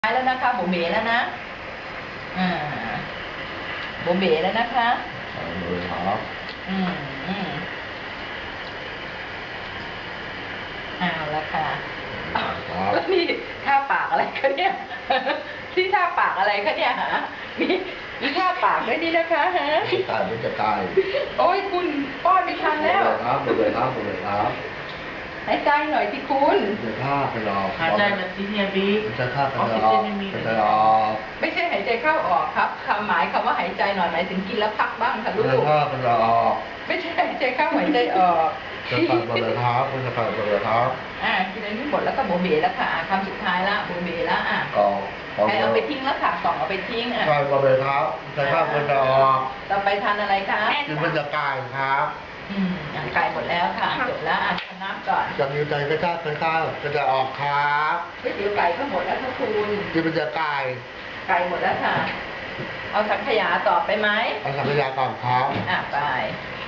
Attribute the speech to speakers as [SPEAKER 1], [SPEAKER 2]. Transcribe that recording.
[SPEAKER 1] แล้วนะคะโบเบ๋แล้วนะอ่าโบเบ๋แล้วนะคะ
[SPEAKER 2] ครับ
[SPEAKER 1] อืมอืมเอาละค่ะแล้วนี่ท่าปากอะไรคะเนี่ยที่ท่าปากอะไรคะเนี่ยฮะมีท่าปากด้วยนี่นะคะฮะ
[SPEAKER 2] จะตาย
[SPEAKER 1] โอ้ยคุณป้อนไม่ทันแล้ว
[SPEAKER 2] ครับหมดเลยครับ
[SPEAKER 1] หายใจหน่อยสิคุณ
[SPEAKER 2] จะฆ่าไปรอ
[SPEAKER 3] หายใจแบบที่เฮียบิ๊ก
[SPEAKER 2] จะฆ่าไป
[SPEAKER 3] ออก
[SPEAKER 2] ร
[SPEAKER 3] ซิ
[SPEAKER 2] อ
[SPEAKER 3] เจนไม่มี
[SPEAKER 2] ไป
[SPEAKER 3] เลย
[SPEAKER 2] รอ
[SPEAKER 1] ไม่ใช่หายใจเข้าออกครับความหมายคำว่าหายใจหน่อยหมายถึงกินแล้วพักบ้างค่ะลู
[SPEAKER 2] จะ
[SPEAKER 1] ก
[SPEAKER 2] ฆ่าไปรอ
[SPEAKER 1] ไม่ใช่หายใจเข้าหายใจออก
[SPEAKER 2] จะฆ่าไปเลยครับจะฆ่าไปเลยครับ
[SPEAKER 1] กินอันนี้หมดแล้วก็โบเบแล้วค่ะคำสุดท้ายละโบเบแล้ว
[SPEAKER 2] กอง
[SPEAKER 1] ใครเอาไปทิ้งแล้วค่ะกล่องเอาไปทิ้ง
[SPEAKER 2] ฆ่าไปเลยครับจะฆ่าไปรอ
[SPEAKER 1] ต่อไปทานอะไรคะ
[SPEAKER 2] กินมันจะกายครับ
[SPEAKER 1] ไก่หมดแล้วค่ะจบแล้วทานน้ำก่อน
[SPEAKER 2] จะมีใจก็ฆ่าไปฆ่าจะออกครับ
[SPEAKER 1] ก๋วยเตี๋ยวไก่ก็หมดแล้วค่ะคุณ
[SPEAKER 2] กินมันจะกาย
[SPEAKER 1] ไก่หมดแล้วค่ะ เอาสังขยาต่อไปไหม
[SPEAKER 2] เอาสังขยาก่อนครับ
[SPEAKER 1] ไป